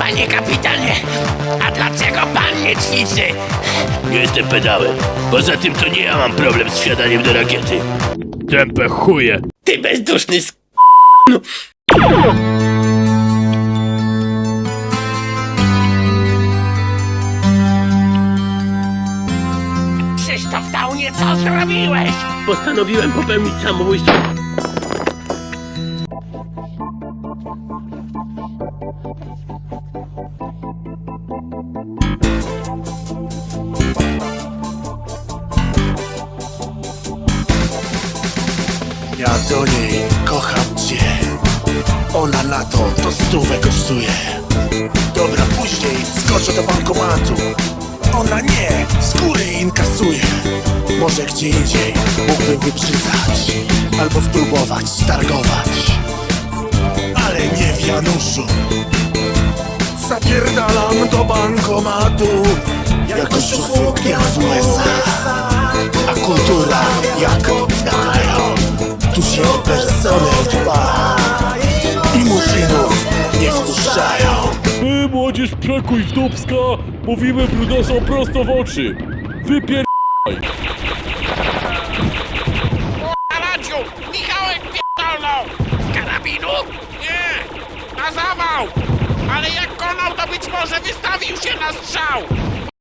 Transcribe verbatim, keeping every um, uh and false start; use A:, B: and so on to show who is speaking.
A: Panie kapitanie, a dlaczego pan nie ćwiczy?
B: Nie jestem pedałem. Poza tym to nie ja mam problem z wsiadaniem do rakiety. Tępe chuje.
A: Ty bezduszny sk... Krzysztof Downie, co zrobiłeś?
B: Postanowiłem popełnić samobójstwo.
C: Ja do niej kocham cię. Ona na to, to stówę kosztuje. Dobra, później skoczę do bankomatu. Ona nie, z góry inkasuje. Może gdzie indziej mógłbym wybrzydzać albo spróbować targować, ale nie w Januszu. Zapierdalam do bankomatu jako szufluk jak w U S A. A kultura jak w kraju. Tu się o personel dba i murzynów nie wpuszczają.
D: My, młodzież przekuj w dupska, mówimy brudosom prosto w oczy. Wypier...
A: Radziu, Michałek pierdolnął! Z karabinu? Nie, na zawał! Ale jak konał, to być może wystawił się na strzał!